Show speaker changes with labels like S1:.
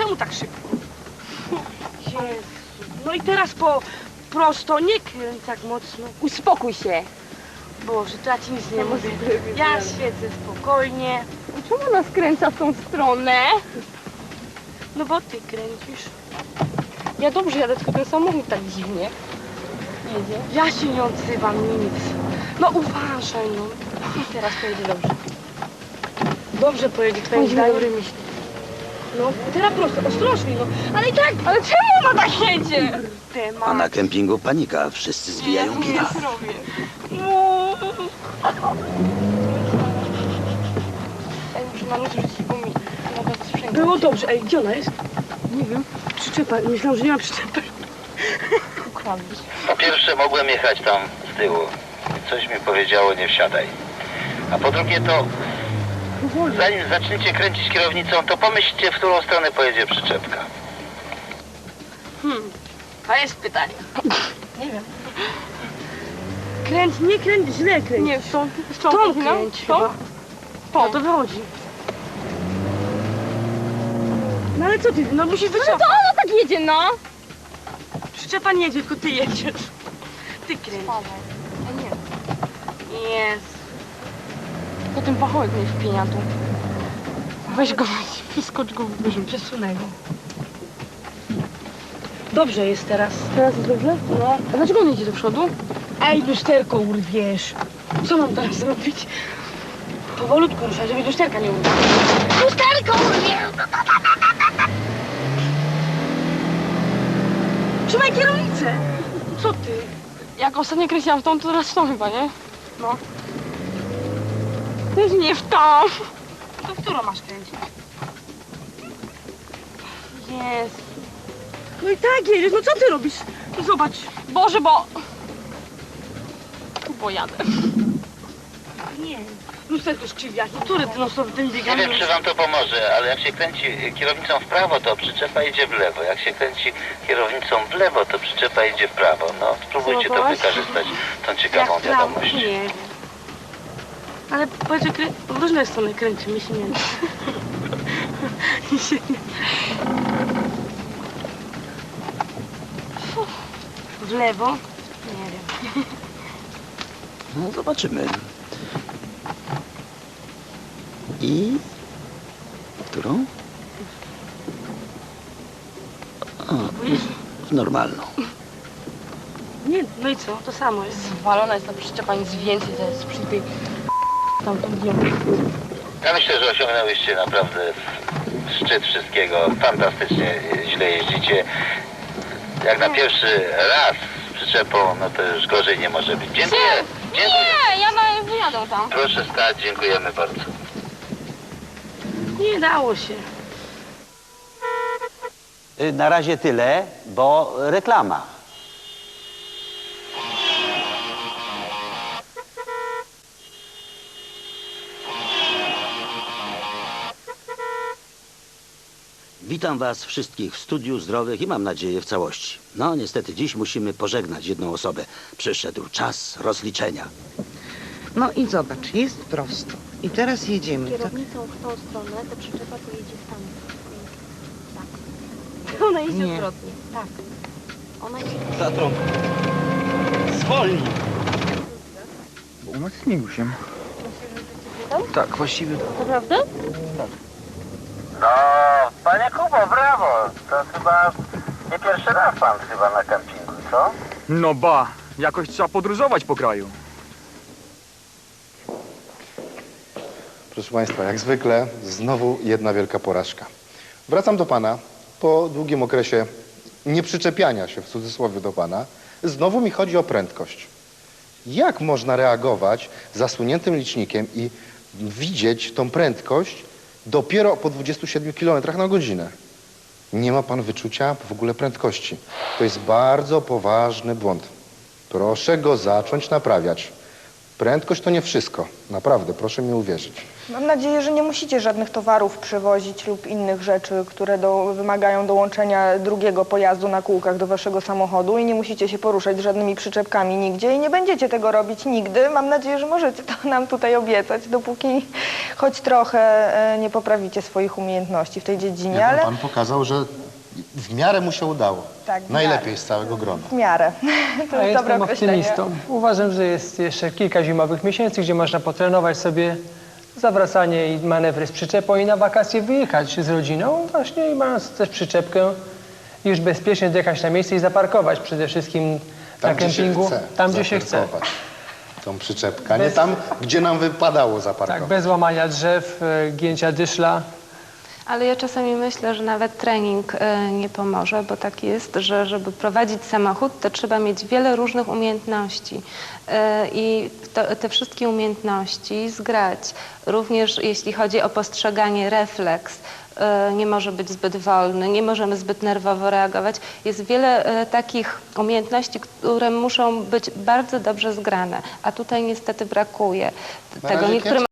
S1: Czemu tak szybko? Jezu. No i teraz prosto, nie kręć tak mocno.
S2: Uspokój się.
S1: Boże, to ja ci nic nie mówię. Ja siedzę spokojnie.
S2: Czemu ona skręca w tą stronę?
S1: No bo ty kręcisz.
S2: Ja dobrze jadę, tylko ten samochód tak dziwnie jedzie.
S1: Ja się nie odzywam, nic. No uważaj, no.
S2: I teraz pojedzie dobrze.
S1: Dobrze pojedzie, twoim
S2: Chodźmy.
S1: zdaniem. No, teraz prosto, ostrożnie, no. Ale i tak,
S2: Ale czemu ona tak jedzie?
S1: temat.
S3: A na kempingu panika, wszyscy zwijają kina.
S2: zrobię.
S1: No.
S2: Ja muszę na nóż rzucić, bo mi mogę sprzęgać.
S1: Było dobrze. Ej, gdzie ona jest?
S2: Nie wiem.
S1: Przyczepa. Myślałam, że nie ma przyczepy.
S2: Ukradłeś.
S4: Po pierwsze mogłem jechać tam z tyłu. Coś mi powiedziało, nie wsiadaj. A po drugie to, zanim zaczniecie kręcić kierownicą, to pomyślcie, w którą stronę pojedzie przyczepka.
S1: A jest pytanie.
S2: Nie wiem.
S1: Kręć, nie kręć, źle kręć.
S2: Nie, z tą
S1: Tą
S2: kręć
S1: kręć chyba. No to wychodzi. No ale co ty, no musisz
S2: No to
S1: wycofać.
S2: ona tak jedzie, no!
S1: Przyczepa nie jedzie, tylko ty jedziesz. Ty kręć.
S2: Ja nie.
S1: Jest.
S2: To ten pachołek mnie wpienia tu. Weź go, wyskocz go, wyrzuć.
S1: Przesunę go. Dobrze jest teraz.
S2: Teraz jest dobrze?
S1: No.
S2: A dlaczego on jedzie do przodu?
S1: Ej, lusterko urwiesz. Co mam teraz zrobić? Powolutku ruszaj, żeby lusterka nie urwał. Lusterko urwie! Trzymaj kierownicę. Co ty?
S2: Jak ostatnio kręciłam w tą, to teraz w tą chyba, nie?
S1: No.
S2: Też nie w tą.
S1: To w którą masz kręcić? Jest. No i tak jedziesz, no co ty robisz? No zobacz.
S2: Boże, bo jadę.
S1: Nie. Lusterko skrzywia. Który ty no sobie ten
S4: Nie
S1: biegamy?
S4: wiem, czy wam to pomoże, ale jak się kręci kierownicą w prawo, to przyczepa idzie w lewo. Jak się kręci kierownicą w lewo, to przyczepa idzie w prawo. No, spróbujcie to
S1: Spróbowałaś?
S4: wykorzystać, tą ciekawą
S1: Jak prawo,
S4: wiadomość.
S1: nie. Ale powiedz, że w różne strony kręcimy się nie da. I się nie... W lewo? Nie wiem.
S3: No zobaczymy. I... w którą? O, w normalną.
S1: Nie, no i co? To samo jest.
S2: Zwalona jest ta przyczepa, nic więcej, to jest przy tej... Tamtą dniu.
S4: Ja myślę, że osiągnęłyście naprawdę szczyt wszystkiego. Fantastycznie źle jeździcie. Jak na pierwszy raz z przyczepą, no to już gorzej nie może być. Dziękuję. Dziękuję.
S2: Nie, ja wyjadę tam.
S4: Proszę stać, dziękujemy bardzo.
S1: Nie dało się.
S5: Na razie tyle, bo reklama.
S3: Witam was wszystkich w Studiu Zdrowych i mam nadzieję w całości. No niestety dziś musimy pożegnać jedną osobę. Przyszedł czas rozliczenia.
S6: No i zobacz, jest prosto. I teraz jedziemy. Tak?
S7: Kierownicą w tą stronę, to przyczepa to jedzie w tamtą. Tak.
S1: Ona jedzie
S6: Nie.
S1: odwrotnie.
S7: Tak. Ona jedzie.
S5: Tatrą. Zwolnij.
S8: No śmigusiem. Tak, właściwie tak.
S7: Naprawdę?
S4: No, panie Kubo, brawo. To chyba nie pierwszy raz pan chyba na kempingu, co?
S8: No ba, jakoś trzeba podróżować po kraju.
S9: Proszę Państwa, jak zwykle znowu jedna wielka porażka. Wracam do Pana po długim okresie nieprzyczepiania się w cudzysłowie do Pana. Znowu mi chodzi o prędkość. Jak można reagować zasłoniętym licznikiem i widzieć tą prędkość dopiero po 27 km na godzinę? Nie ma Pan wyczucia w ogóle prędkości. To jest bardzo poważny błąd. Proszę go zacząć naprawiać. Prędkość to nie wszystko. Naprawdę, proszę mi uwierzyć.
S2: Mam nadzieję, że nie musicie żadnych towarów przywozić lub innych rzeczy, które wymagają dołączenia drugiego pojazdu na kółkach do waszego samochodu i nie musicie się poruszać żadnymi przyczepkami nigdzie i nie będziecie tego robić nigdy. Mam nadzieję, że możecie to nam tutaj obiecać, dopóki choć trochę nie poprawicie swoich umiejętności w tej dziedzinie, ale
S9: Pan pokazał, że w miarę mu się udało.
S2: Tak, w
S9: Najlepiej
S2: miarę.
S9: z całego grona.
S2: w miarę. To
S8: Ja
S2: jest dobre
S8: jestem
S2: określenie.
S8: optymistą. Uważam, że jest jeszcze kilka zimowych miesięcy, gdzie można potrenować sobie zawracanie i manewry z przyczepą i na wakacje wyjechać z rodziną właśnie i mając też przyczepkę już bezpiecznie dojechać na miejsce i zaparkować przede wszystkim na
S9: gdzie się
S8: kempingu,
S9: chce
S8: tam gdzie się chce.
S9: zaparkować tą przyczepkę, a nie tam, gdzie nam wypadało zaparkować.
S8: Tak, bez łamania drzew, gięcia dyszla.
S10: Ale ja czasami myślę, że nawet trening nie pomoże, bo tak jest, że żeby prowadzić samochód, to trzeba mieć wiele różnych umiejętności i te wszystkie umiejętności zgrać. Również jeśli chodzi o postrzeganie, refleks, nie może być zbyt wolny, nie możemy zbyt nerwowo reagować. Jest wiele takich umiejętności, które muszą być bardzo dobrze zgrane, a tutaj niestety brakuje
S9: Na
S10: tego.
S9: razie
S10: Niektórym